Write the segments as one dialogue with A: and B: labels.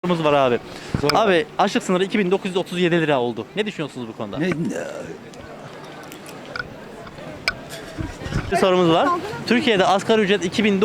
A: Sorumuz var abi.
B: Sor.
A: Abi açlık sınırı 2937 lira oldu. Ne düşünüyorsunuz bu konuda? Bir sorumuz var. Türkiye'de asgari ücret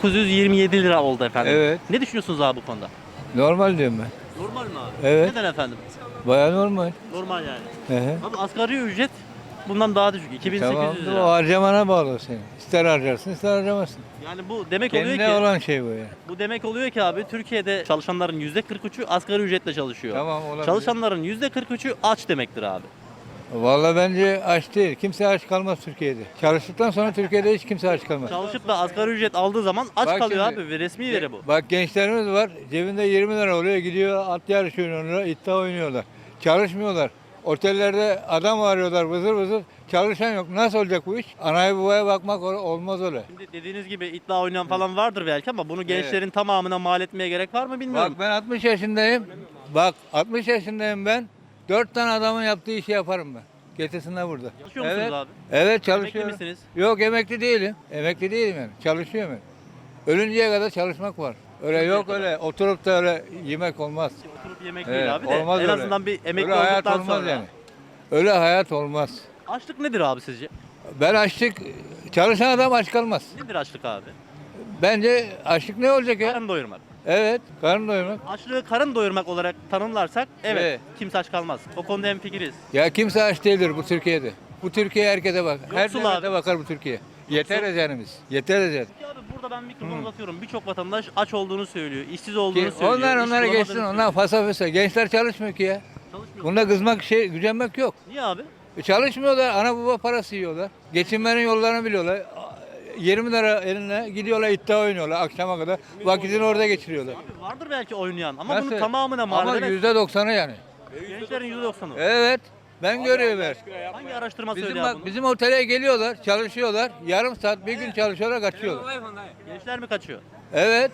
A: 2927 lira oldu efendim.
B: Evet.
A: Ne düşünüyorsunuz abi bu konuda?
B: Normal diyorum ben.
A: Normal mi abi?
B: Evet.
A: Neden efendim?
B: Baya normal.
A: Normal yani.
B: Hı hı.
A: Abi asgari ücret bundan daha düşük. 2800
B: Tamam. O
A: lira.
B: harcamana bağlı senin. İster harcarsın ister harcamazsın.
A: Yani bu demek oluyor
B: Kendine
A: ki
B: olan şey bu ya.
A: bu demek oluyor ki abi Türkiye'de çalışanların %43'ü asgari ücretle çalışıyor.
B: Tamam, olabilir.
A: Çalışanların %43'ü aç demektir abi.
B: Vallahi bence aç değil. Kimse aç kalmaz Türkiye'de. Çalıştıktan sonra Türkiye'de hiç kimse aç kalmaz.
A: Çalışıp da asgari ücret aldığı zaman aç
B: Bak
A: kalıyor
B: şimdi,
A: abi ve resmi veri bu.
B: Bak gençlerimiz var. Cebinde 20 lira oluyor. Gidiyor at yarışı oynuyorlar. İddia oynuyorlar. Çalışmıyorlar. Otellerde adam arıyorlar vızır vızır. Çalışan yok. Nasıl olacak bu iş? Anaya babaya bakmak olmaz öyle.
A: Şimdi dediğiniz gibi iddia oynayan falan vardır belki ama bunu gençlerin tamamına mal etmeye gerek var mı bilmiyorum.
B: Bak ben 60 yaşındayım. Bak 60 yaşındayım ben. 4 tane adamın yaptığı işi yaparım ben. Getirsinler burada.
A: Çalışıyor musunuz
B: Evet.
A: abi?
B: Evet çalışıyorum.
A: Emekli misiniz?
B: Yok emekli değilim. Emekli değilim yani. Çalışıyorum ben. Ölünceye kadar çalışmak var. Öyle yok öyle oturup da öyle yemek olmaz.
A: Oturup yemek
B: Evet,
A: değil abi de
B: olmaz
A: en
B: öyle.
A: azından bir emekli
B: Öyle hayat
A: olduktan
B: olmaz
A: sonra.
B: yani. Öyle hayat olmaz.
A: Açlık nedir abi sizce?
B: Ben açlık, çalışan adam aç kalmaz.
A: Nedir açlık abi?
B: Bence açlık ne olacak ya?
A: Karın doyurmak.
B: Evet, karın doyurmak.
A: Açlığı karın doyurmak olarak tanımlarsak evet,
B: Evet.
A: kimse aç kalmaz. O konuda hemfikiriz.
B: Ya kimse aç değildir bu Türkiye'de. Bu Türkiye herkese bak. Her
A: Yoksul
B: devlete
A: abi.
B: bakar bu Türkiye. Yeteriz yani biz. Yeteriz yani.
A: Peki abi burada ben mikrofonu uzatıyorum. Birçok vatandaş aç olduğunu söylüyor, işsiz olduğunu söylüyor.
B: Onlar
A: iş
B: onlara
A: bulamadığını
B: geçsin.
A: söylüyor.
B: Onlar fasa. Gençler çalışmıyor ki ya.
A: Çalışmıyor.
B: Bunda kızmak gücenmek yok.
A: Niye abi?
B: Çalışmıyorlar. Ana baba parası yiyorlar. Geçinmenin yollarını biliyorlar. 20 lira eline gidiyorlar iddia oynuyorlar akşama kadar. Vakitini orada geçiriyorlar.
A: Abi vardır belki oynayan ama
B: Nasıl?
A: bunun tamamına mal
B: Ama
A: edemez.
B: %90'ı yani.
A: Gençlerin %90'ı.
B: Evet. Ben görüyorum her.
A: Hangi araştırma
B: Bizim
A: söylüyor
B: bak
A: bunu?
B: bizim otele geliyorlar, çalışıyorlar. Yarım saat, bir gün çalışıyorlar, kaçıyorlar.
A: Gençler mi kaçıyor?
B: Evet.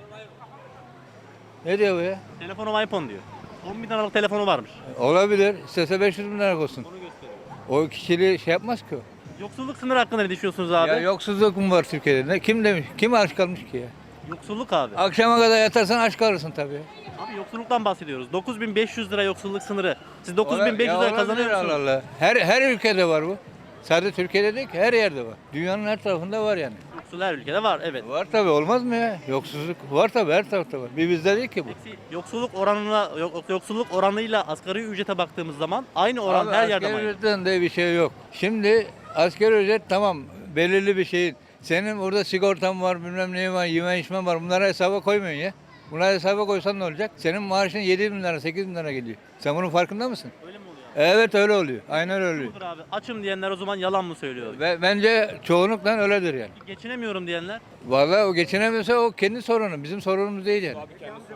B: Ne diyor bu ya?
A: Telefonum iPhone diyor. 10 bin liralık telefonu varmış.
B: Olabilir. İstese 500 bin lira olsun. O kişiliği şey yapmaz ki o.
A: Yoksulluk sınırı hakkında ne düşünüyorsunuz abi?
B: Ya yoksuzluk mu var Türkiye'de? Kim demiş? Kim aç kalmış ki ya?
A: Yoksulluk abi.
B: Akşama kadar yatarsan aç kalırsın tabii.
A: Abi yoksulluktan bahsediyoruz. 9500 lira yoksulluk sınırı. Siz
B: Ola-
A: 9500
B: ya
A: lira
B: olabilir,
A: kazanıyor musunuz?
B: Allah Allah. Her ülkede var bu. Sadece Türkiye'de değil ki her yerde var. Dünyanın her tarafında var yani.
A: Yoksul her ülkede var evet.
B: Var tabii olmaz mı ya? Yoksuzluk var tabii her tarafta var. Bir bizde değil ki bu.
A: Peki yoksulluk oranıyla asgari ücrete baktığımız zaman aynı oran
B: Abi
A: her yerde
B: asgari
A: var.
B: ücretten de bir şey yok. Şimdi asgari ücret tamam belirli bir şeyin. Senin orada sigortan var, bilmem neyin var, yeme içmen var. Bunları hesaba koymuyorsun ya. Bunları hesaba koysan ne olacak? Senin maaşın 7 bin lira, 8 bin lira geliyor. Sen bunun farkında mısın?
A: Öyle mi oluyor?
B: Evet öyle oluyor. Aynen öyle oluyor.
A: Budur abi. Açım diyenler o zaman yalan mı söylüyor?
B: Ve bence çoğunlukla öyledir yani.
A: Geçinemiyorum diyenler.
B: Vallahi o geçinemiyorsa o kendi sorunu. Bizim sorunumuz değil yani.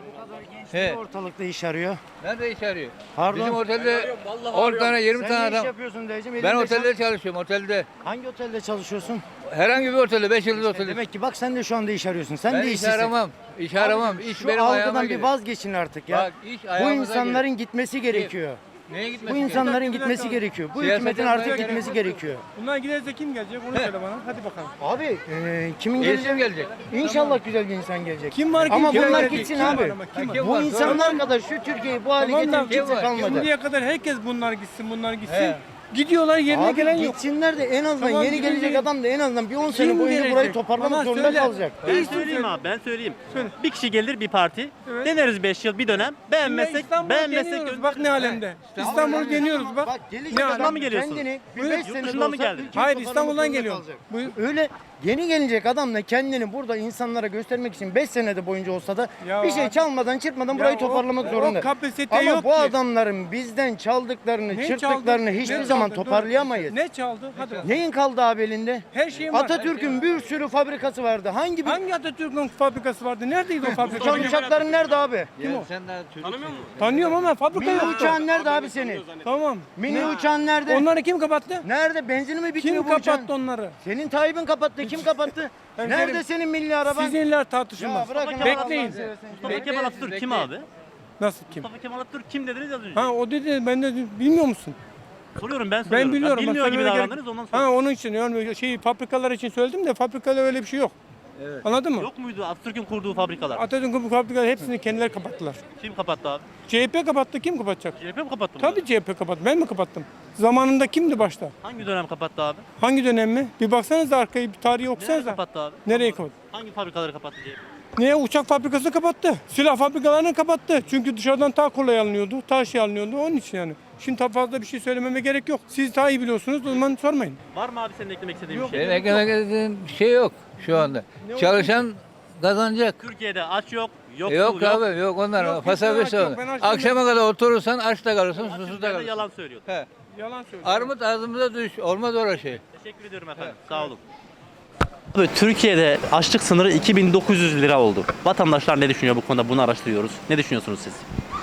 B: He.
C: Ortalıkta iş arıyor.
B: Nerede iş arıyor?
C: Pardon?
B: Bizim otelde 10 tane 20
C: Sen
B: tane
C: ne iş
B: adam.
C: yapıyorsun dayıcım?
B: Ben
C: Elinde
B: otelde çalışıyorum otelde.
C: Hangi otelde çalışıyorsun?
B: Herhangi bir otelde 5 yıldız otelde.
C: Demek ki bak sen de şu anda iş arıyorsun. Sen
B: Ben
C: de
B: iş
C: işsizsin.
B: aramam. İş aramam. İş
C: Şu
B: benim ayağıma
C: algıdan bir
B: gelir.
C: vazgeçin artık ya.
B: Bak, iş
C: Bu
B: ayağımıza
C: insanların gitmesi gerekiyor.
B: Neye gitmesi
C: Bu insanların gitmesi gerekiyor. Bu
B: Siyasete
C: hükümetin artık
B: gerek
C: gitmesi
B: yok.
C: gerekiyor.
D: Bunlar giderse kim gelecek onu söyle bana. Hadi bakalım.
C: Abi kimin
B: gerekiyor?
C: geleceği
B: gelecek.
C: İnşallah güzel bir insan gelecek.
D: Kim var ki?
C: Ama
D: Kim
C: bunlar
D: var ki?
C: gitsin
D: Kim var
C: abi.
D: ama kim var?
B: Kim
C: Bu
B: var?
C: insanlar kadar şu Türkiye'yi bu hale
D: Tamam da
C: getiren kimse
B: var?
C: kalmadı.
D: Şimdiye kadar herkes bunlar gitsin bunlar gitsin.
B: He.
D: Gidiyorlar yerine
C: Abi
D: gelen yok.
C: gitsinler de en azından
D: Tamam,
C: yeni
D: gidin
C: gelecek
D: gelin.
C: adam da en azından bir 10 sene
D: Kim
C: boyunca burayı
D: gelecek?
C: toparlamak
D: Bana
C: zorunda
D: söyle.
C: kalacak.
A: Ben söyleyeyim abi ben söyleyeyim.
D: Söyle.
A: Bir kişi gelir bir parti.
D: Evet.
A: Deneriz 5 yıl bir dönem. Beğenmezsek
D: deniyoruz.
A: göndeririz.
D: Bak ne alemde. İstanbul'u deniyoruz bak.
C: Bak gelecek
D: Ne
C: adam
A: adam mı geliyorsun?
C: kendini bir
D: Buyur,
C: 5
D: yurt
C: sene de
A: dışından mı
C: olsa
A: geldin?
C: ülkeyi
D: Hayır
C: toparlamak
D: İstanbul'dan
C: zorunda
D: geliyorum.
C: kalacak.
D: Buyur.
C: Öyle yeni gelecek adam da kendini burada insanlara göstermek için 5 senede boyunca olsa da
D: Ya
C: bir şey
D: abi-
C: çalmadan çırpmadan
D: Ya
C: burayı
D: o-
C: toparlamak
D: o
C: zorunda.
D: kapasite
C: Ama
D: yok
C: bu
D: ki.
C: adamların bizden çaldıklarını,
D: Ne
C: çırptıklarını
D: çaldı?
C: hiçbir
D: Ne
C: zaman
D: çaldı? Dur.
C: toparlayamayız.
D: Ne çaldı? Hadi bakalım.
C: Neyin kaldı abi elinde?
D: Her şeyin var.
C: Atatürk'ün bir sürü fabrikası vardı. Hangi bir
D: Hangi Atatürk'ün fabrikası vardı? Neredeydi o fabrika?
C: uçan uçakların nerede abi?
B: Kim o? Sen daha çocuk.
D: Tanıyorum ama fabrika
C: Mini
D: yoktu.
C: uçağın nerede abi senin?
D: Tamam.
C: Mini uçağın nerede?
D: Onları kim kapattı?
C: Nerede? Benzini mi bitmiyor
D: Kim
C: bu uçağın?
D: kapattı onları?
C: Senin Tayyip'in kapattı. Kim kapattı?
D: Hemşerim,
C: Nerede senin milli araban?
D: Sizinler tartışılmaz.
C: Ya bırakın
D: Bekleyin.
C: Allah'ını seversen.
A: Mustafa Kemal Atatürk kim abi?
D: Nasıl kim?
A: Mustafa Kemal Atatürk kim dediniz az önce?
D: Ha o dedi ben de bilmiyor musun?
A: Soruyorum ben soruyorum.
D: Ben biliyorum.
A: Bilmiyor
D: Bak,
A: gibi
D: söylemene
A: davrandınız ondan
D: Ha
A: sonra.
D: onun için yani fabrikalar için söyledim de fabrikada öyle bir şey yok. Anladın mı?
A: Yok muydu Atatürk'ün kurduğu fabrikalar?
D: Atatürk'ün bu fabrikaları hepsini kendileri kapattılar.
A: Kim kapattı abi?
D: CHP kapattı, kim kapatacak?
A: CHP mi kapattı
D: Tabii
A: bunları?
D: CHP kapattı. Ben mi kapattım? Zamanında kimdi başta?
A: Hangi dönem kapattı abi?
D: Hangi dönem mi? Bir baksanıza arkayı, bir tarihi
A: Nereye
D: okusanıza.
A: kapattı abi?
D: Nereye kapattı?
A: Hangi fabrikaları kapattı CHP?
D: Neye? Uçak fabrikası kapattı. Silah fabrikalarını kapattı. Çünkü dışarıdan daha kolay alınıyordu. Daha şey alınıyordu. Onun için yani. Şimdi daha fazla bir şey söylememe gerek yok. Siz daha iyi biliyorsunuz. O zaman sormayın.
A: Var mı abi senin eklemek istediğin
D: Yok.
A: bir şey?
B: Benim eklemek istediğim bir şey yok şu anda. Çalışan kazanacak.
A: Türkiye'de aç yok, yoksul
B: Yok abi yok onlar.
D: Yok,
B: Fasafis
D: yok, ben aç
B: Akşama kadar oturursan aç da kalırsın, susuz da
A: Atatürk'ün
B: kalırsın.
A: yalan söylüyor.
B: He.
D: Yalan söylüyor.
B: Armut ağzımıza düş. Olmaz öyle şey.
A: Teşekkür ediyorum efendim. Sağ olun. Abi, Türkiye'de açlık sınırı 2900 lira oldu. Vatandaşlar ne düşünüyor bu konuda? Bunu araştırıyoruz. Ne düşünüyorsunuz siz?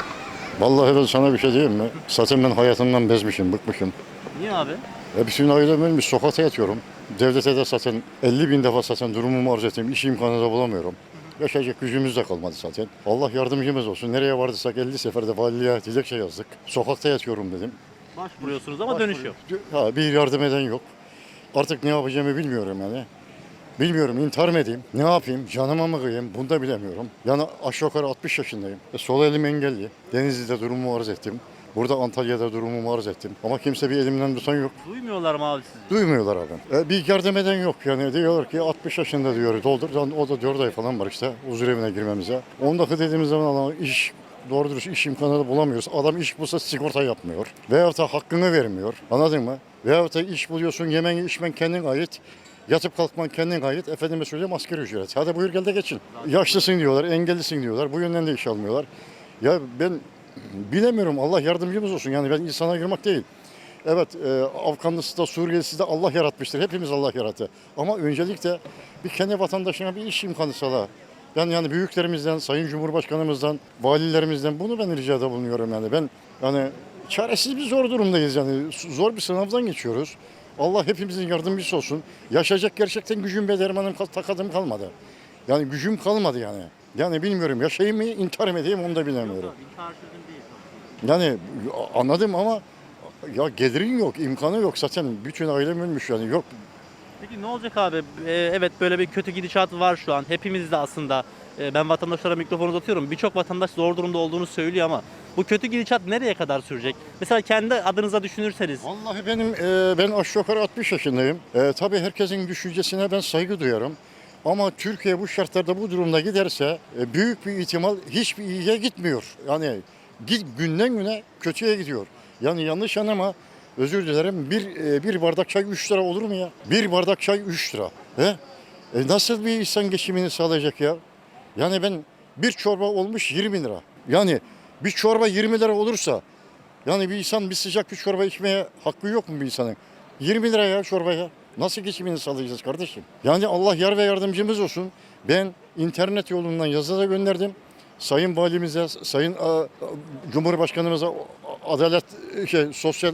E: Vallahi ben sana bir şey diyeyim mi? Zaten ben hayatımdan bezmişim, bıkmışım.
A: Niye abi?
E: Bütün ailem ölmüş, sokakta yatıyorum. Devlete de zaten 50 bin defa zaten durumumu arz ettim. İş imkanı da bulamıyorum. Yaşayacak gücümüz de kalmadı zaten. Allah yardımcımız olsun. Nereye vardıysak 50 seferde valiliğe dilekçe yazdık. Sokakta yatıyorum dedim.
A: Başvuruyorsunuz ama dönüş yok.
E: Ha, bir yardım eden yok. Artık ne yapacağımı bilmiyorum yani. Bilmiyorum, intihar mı edeyim, ne yapayım, canıma mı kıyayım bunu da bilemiyorum. Yani aşağı yukarı 60 yaşındayım. Sol elim engelli. Denizli'de durumumu arz ettim. Burada Antalya'da durumumu arz ettim. Ama kimse bir elimden tutan yok.
A: Duymuyorlar mı abi sizi?
E: Duymuyorlar abi. Bir yardım eden yok. Yani diyor ki 60 yaşında diyor doldur. O da 4 ay falan var işte huzur evine girmemize. 10 dakika dediğimiz zaman adam iş doğru dürüst iş imkanı da bulamıyoruz. Adam iş bulsa sigorta yapmıyor. Veyahut da hakkını vermiyor. Anladın mı? Veyahut da iş buluyorsun yemen içmen kendin ait. Yatıp kalkman kendin ait. Efendime söyleyeyim asgari ücret. Hadi buyur gel de geçin. Yaşlısın diyorlar, engellisin diyorlar. Bu yönden de iş almıyorlar. Ya ben bilemiyorum. Allah yardımcımız olsun. Yani ben insana girmek değil. Evet, Afganlısı da Suriyelisi de Allah yaratmıştır. Hepimiz Allah yarattı. Ama öncelikle bir kendi vatandaşına bir iş imkanı sağla. Yani büyüklerimizden, Sayın Cumhurbaşkanımızdan, valilerimizden bunu ben ricada bulunuyorum yani. Ben yani çaresiz bir zor durumdayız yani. Zor bir sınavdan geçiyoruz. Allah hepimizin yardımcısı olsun. Yaşayacak gerçekten gücüm ve dermanım takadım kalmadı. Yani gücüm kalmadı yani. Yani bilmiyorum yaşayayım mı, intihar mı edeyim onu da bilemiyorum.
A: İntihar çözüm değil.
E: Yani anladım ama ya gelirin yok, imkanı yok zaten. Bütün ailem ölmüş yani yok.
A: Peki ne olacak abi? Evet böyle bir kötü gidişat var şu an. Hepimiz de aslında ben vatandaşlara mikrofonu uzatıyorum. Birçok vatandaş zor durumda olduğunu söylüyor ama bu kötü gidişat nereye kadar sürecek? Mesela kendi adınıza düşünürseniz.
E: Vallahi ben aşağı yukarı 60 yaşındayım. Tabii herkesin düşüncesine ben saygı duyarım. Ama Türkiye bu şartlarda bu durumda giderse büyük bir ihtimal hiçbir iyiye gitmiyor. Yani günden güne kötüye gidiyor. Yani yanlış anlama özür dilerim bir bardak çay 3 lira olur mu ya? Bir bardak çay 3 lira. He? Nasıl bir insan geçimini sağlayacak ya? Yani ben bir çorba olmuş 20 lira. Yani bir çorba 20 lira olursa yani bir insan bir sıcak bir çorba içmeye hakkı yok mu bir insanın? 20 lira ya çorbaya. Nasıl geçimini sağlayacağız kardeşim? Yani Allah yar ve yardımcımız olsun. Ben internet yolundan yazı da gönderdim. Sayın Valimize, Sayın Cumhurbaşkanımıza, Adalet Sosyal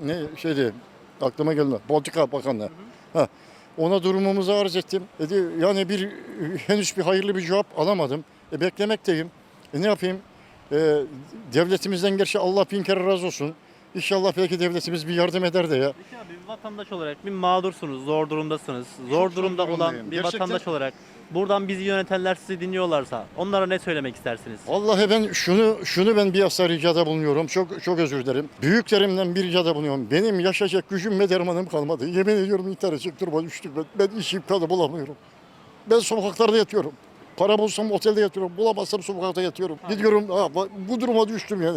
E: aklıma gelmedi. Politika Bakanlığı. Ha, ona durumumuzu arz ettim. Yani henüz bir hayırlı bir cevap alamadım. Beklemekteyim. Ne yapayım? Devletimizden gerçi Allah bin kere razı olsun. İnşallah belki devletimiz bir yardım eder de ya.
A: Peki abi bir vatandaş olarak bir mağdursunuz, zor durumdasınız. Zor
E: Çok
A: durumda
E: zor
A: olan
E: durumdayım.
A: bir
E: Gerçekten.
A: vatandaş olarak buradan bizi yönetenler sizi dinliyorlarsa onlara ne söylemek istersiniz?
E: Vallahi ben şunu ben bir asla ricada bulunuyorum. Çok özür dilerim. Büyüklerimden bir ricada bulunuyorum. Benim yaşayacak gücüm ve dermanım kalmadı. Yemin ediyorum intihar edecek duruma düştüm ben. Ben iş imkanı bulamıyorum. Ben sokaklarda yatıyorum. Para bulsam otelde yatıyorum. Bulamazsam sokakta yatıyorum. Gidiyorum bu duruma düştüm yani.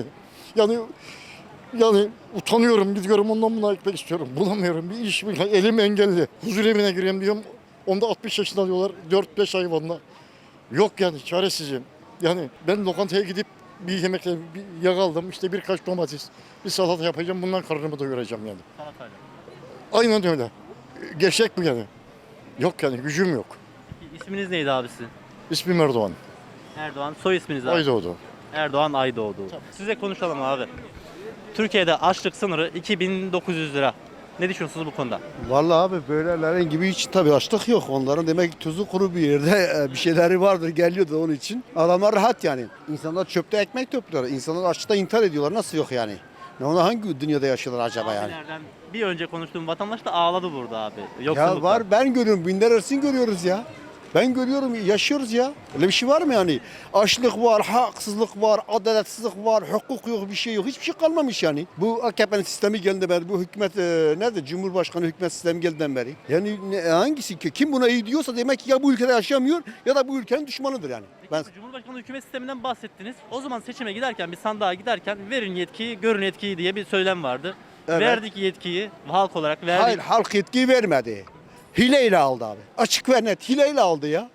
E: Yani utanıyorum gidiyorum ondan buna gitmek istiyorum. Bulamıyorum bir iş elim engelli. Huzur evine gireyim diyorum. Onda 60 yaşında diyorlar 4-5 ay vanla. Yok yani çaresizim. Yani ben lokantaya gidip bir yemekle bir yağ aldım. İşte birkaç domates, bir salata yapacağım. Bundan karnımı doyuracağım yani.
A: Salatayla.
E: Aynen öyle. Gerçek bu yani. Yok yani gücüm yok.
A: Peki, İsminiz neydi abi sizin?
E: İsmim Erdoğan.
A: Erdoğan. Soy isminiz abi.
E: Aydoğdu.
A: Erdoğan Aydoğdu. Size konuşalım abi. Türkiye'de açlık sınırı 2900 lira. Ne düşünüyorsunuz bu konuda?
F: Vallahi abi böylelerin gibi hiç tabii açlık yok. Onların demek ki tuzu kuru bir yerde bir şeyleri vardır geliyordu onun için. Adamlar rahat yani. İnsanlar çöpte ekmek topluyorlar. İnsanlar açlıkta intihar ediyorlar. Nasıl yok yani? Ne ona hangi dünyada yaşıyorlar acaba yani?
A: Abilerden bir önce konuştuğum vatandaş da ağladı burada abi.
F: Ya
A: Yoksulluktan.
F: var ben görüyorum. Binler arasını görüyoruz ya. Ben görüyorum, yaşıyoruz ya. Öyle bir şey var mı yani? Açlık var, haksızlık var, adaletsizlik var, hukuk yok, bir şey yok. Hiçbir şey kalmamış yani. Bu AKP'nin sistemi geldiğinden beri, bu hükümet nerede? Cumhurbaşkanı hükümet sistemi geldiğinden beri. Yani hangisi ki? Kim buna iyi diyorsa demek ki ya bu ülkede yaşamıyor ya da bu ülkenin düşmanıdır yani. Ben
A: Cumhurbaşkanlığı hükümet sisteminden bahsettiniz. O zaman seçime giderken, bir sandığa giderken verin yetkiyi, görün etkiyi diye bir söylem vardı.
F: Evet.
A: Verdik yetkiyi, halk olarak verdik.
F: Hayır, halk yetkiyi vermedi. Hileyle aldı abi. Açık ve net hileyle aldı ya.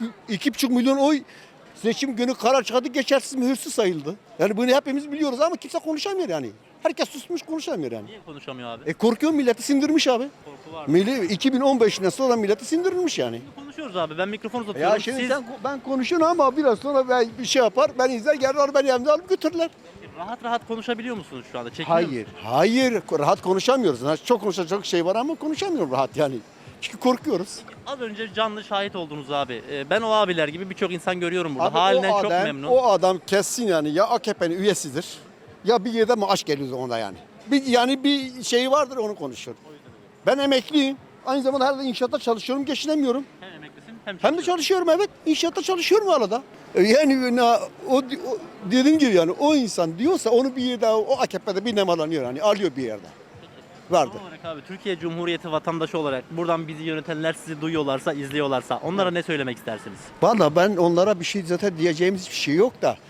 F: 2,5 milyon oy seçim günü karar çıkardı, geçersiz mühürsüz sayıldı. Yani bunu hepimiz biliyoruz ama kimse konuşamıyor yani. Herkes susmuş, konuşamıyor yani.
A: Niye konuşamıyor abi?
F: Korkuyor, milleti sindirmiş abi.
A: Korku var.
F: 2015'ten sonra milleti sindirilmiş yani.
A: Konuşuyoruz abi. Ben mikrofonu uzatıyorum.
F: Ya şimdi ben konuşuyorum ama biraz sonra ben bir şey yapar, ben izler, gelirler beni evde alıp götürürler.
A: Rahat rahat konuşabiliyor musunuz şu anda?
F: Hayır, rahat konuşamıyoruz. Çok konuşacak şey var ama konuşamıyorum rahat yani. Çünkü korkuyoruz.
A: Az önce canlı şahit oldunuz abi. Ben o abiler gibi birçok insan görüyorum burada.
F: Abi
A: Halinden çok memnun.
F: O adam kesin yani ya AKP'nin üyesidir ya bir yerde maaş geliyor onda yani. Yani bir şey vardır, onu konuşuyor. Ben emekliyim. Aynı zamanda her inşaatta çalışıyorum, geçinemiyorum.
A: Hem emeklisin
F: Hem de çalışıyorum, evet. İnşaatta çalışıyorum arada. Yani o dediğim gibi yani o insan diyorsa onu bir yerde o AKP'de bir nemalanıyor yani alıyor bir yerde. Vardır.
A: Son olarak abi, Türkiye Cumhuriyeti vatandaşı olarak buradan bizi yönetenler sizi duyuyorlarsa, izliyorlarsa onlara ne söylemek istersiniz?
F: Valla ben onlara bir şey zaten diyeceğimiz hiçbir şey yok da.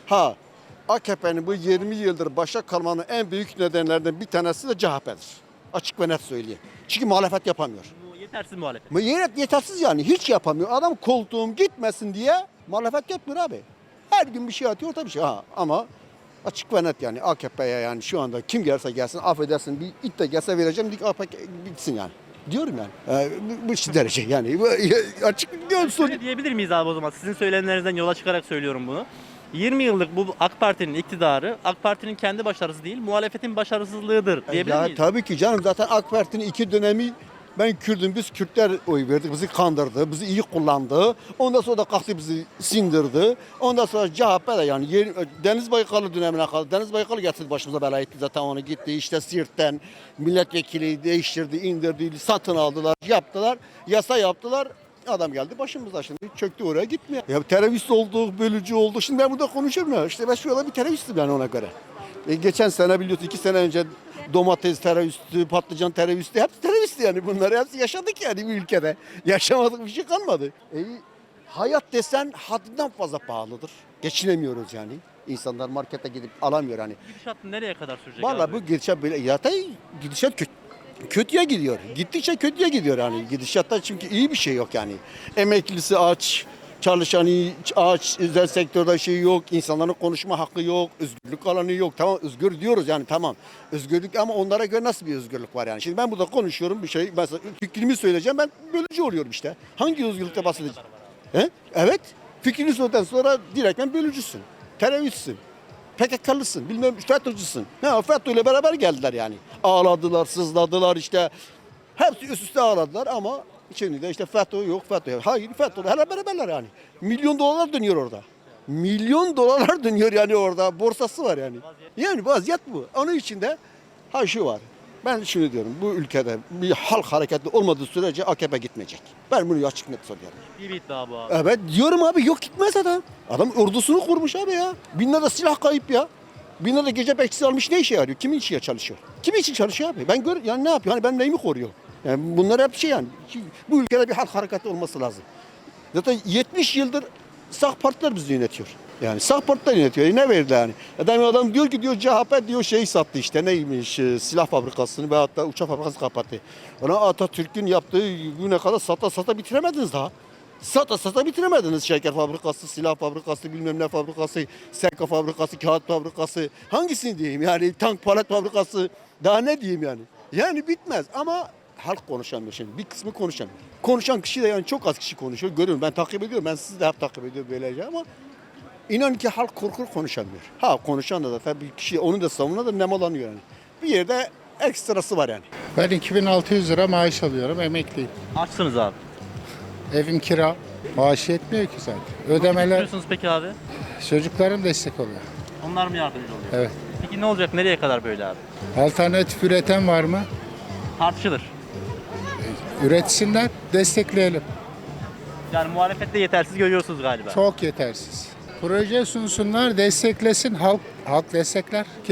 F: AKP'nin bu 20 yıldır başa kalmanın en büyük nedenlerinden bir tanesi de CHP'dir. Açık ve net söyleyeyim. Çünkü muhalefet yapamıyor.
A: Bu yetersiz muhalefet.
F: Yetersiz yani, hiç yapamıyor. Adam koltuğum gitmesin diye muhalefet yapmıyor abi. Her gün bir şey atıyor, tabii şey. Ama açık ve net yani AKP'ye yani şu anda kim gelse gelsin, affedersin bir it de gelse vereceğim, AKP bitsin yani. Diyorum yani. Bu derece yani. Açık diyorsun.
A: Öyle diyebilir miyiz abi o zaman? Sizin söylemlerinizden yola çıkarak söylüyorum bunu. 20 yıllık bu AK Parti'nin iktidarı, AK Parti'nin kendi başarısı değil, muhalefetin başarısızlığıdır diyebilir
F: Ya
A: miyiz?
F: tabii ki canım, zaten AK Parti'nin 2 dönemi ben Kürdüm, biz Kürtler oy verdik, bizi kandırdı, bizi iyi kullandı. Ondan sonra da kalktı bizi sindirdi. Ondan sonra CHP de yani Deniz Baykalı dönemine kaldı. Deniz Baykalı getirdi başımıza bela etti, zaten onu gitti. İşte Siirt'ten milletvekili değiştirdi, indirdi, satın aldılar, yaptılar, yasa yaptılar. Adam geldi başımıza, şimdi çöktü, oraya gitmiyor. Ya terörist olduk, bölücü olduk. Şimdi ben burada konuşuyorum ya. İşte ben şu anda bir teröristim yani ona göre. Geçen sene biliyorsun, 2 sene önce domates teröristi, patlıcan teröristi, hepsi teröristi yani. Bunları hepsi yaşadık yani bu ülkede. Yaşamadık bir şey kalmadı. Hayat desen haddinden fazla pahalıdır. Geçinemiyoruz yani. İnsanlar markete gidip alamıyor hani.
A: Gidişat nereye kadar sürecek
F: Vallahi
A: abi?
F: bu gidişat böyle, gidişat kötüye gidiyor. Gittikçe kötüye gidiyor yani. Gidişatta çünkü iyi bir şey yok yani. Emeklisi aç, çalışanı aç, özel sektörde şey yok, insanların konuşma hakkı yok, özgürlük alanı yok. Tamam, özgür diyoruz yani, tamam. Özgürlük, ama onlara göre nasıl bir özgürlük var yani? Şimdi ben burada konuşuyorum bir şey, mesela fikrimi söyleyeceğim, ben bölücü oluyorum işte. Hangi özgürlükte bahsedeceğim? Evet, fikrini söyledikten sonra direkt ben bölücüsün, teröristsin. PKK'lısın, bilmem FETÖ'cüsün. FETÖ ile beraber geldiler yani. Ağladılar, sızladılar işte. Hepsi üst üste ağladılar ama şimdi de işte FETÖ yok, FETÖ yok. Hayır, FETÖ ile beraberler yani. Milyon dolarlar dönüyor orada. Milyon dolarlar dönüyor yani orada. Borsası var yani. Yani vaziyet bu. Onun için de şu var. Ben şunu diyorum, bu ülkede bir halk hareketli olmadığı sürece AKP gitmeyecek. Ben bunu açık net söylüyorum.
A: İyi bir iddia bu abi.
F: Evet diyorum abi, yok gitmez adam. Adam ordusunu kurmuş abi ya. Binlerce silah kayıp ya. Binlerce gece bekçisi almış, ne işe yarıyor? Kimin için çalışıyor? Kimin için çalışıyor abi? Ben yani ne yapıyor? Hani ben neyimi koruyor? Yani bunlar hep şey yani. Bu ülkede bir halk hareketi olması lazım. Zaten 70 yıldır sağ partiler bizi yönetiyor. Yani sağ partiler yönetiyor. Ne verdi yani? Adam diyor ki CHP diyor şey sattı işte, neymiş, silah fabrikasını ve hatta uçak fabrikası kapattı. Ona Atatürk'ün yaptığı güne kadar sata bitiremediniz daha. Sata bitiremediniz. Şeker fabrikası, silah fabrikası, bilmem ne fabrikası, seka fabrikası, kağıt fabrikası. Hangisini diyeyim yani, tank palet fabrikası, daha ne diyeyim yani. Yani bitmez ama halk konuşamıyor şimdi. Bir kısmı konuşamıyor. Konuşan kişi de yani çok az kişi konuşuyor. Görüyorum, ben takip ediyorum. Ben sizi de hep takip ediyorum böylece ama inan ki halk korkur, konuşamıyor. Konuşan da tabii bir kişi onu da savunuyor da nemalanıyor yani. Bir yerde ekstrası var yani.
G: Ben 2600 lira maaş alıyorum, emekliyim.
A: Açsınız abi.
G: Evim kira, maaş yetmiyor ki zaten.
A: Nasıl
G: Ödemeler,
A: getiriyorsunuz peki abi?
G: çocuklarım destek oluyor.
A: Onlar mı yardımcı oluyor?
G: Evet.
A: Peki ne olacak? Nereye kadar böyle abi?
G: Alternatif üreten var mı?
A: Tartışılır.
G: Üretsinler, destekleyelim.
A: Yani muhalefette yetersiz görüyorsunuz galiba.
G: Çok yetersiz. Proje sunsunlar, desteklesin, halk destekler.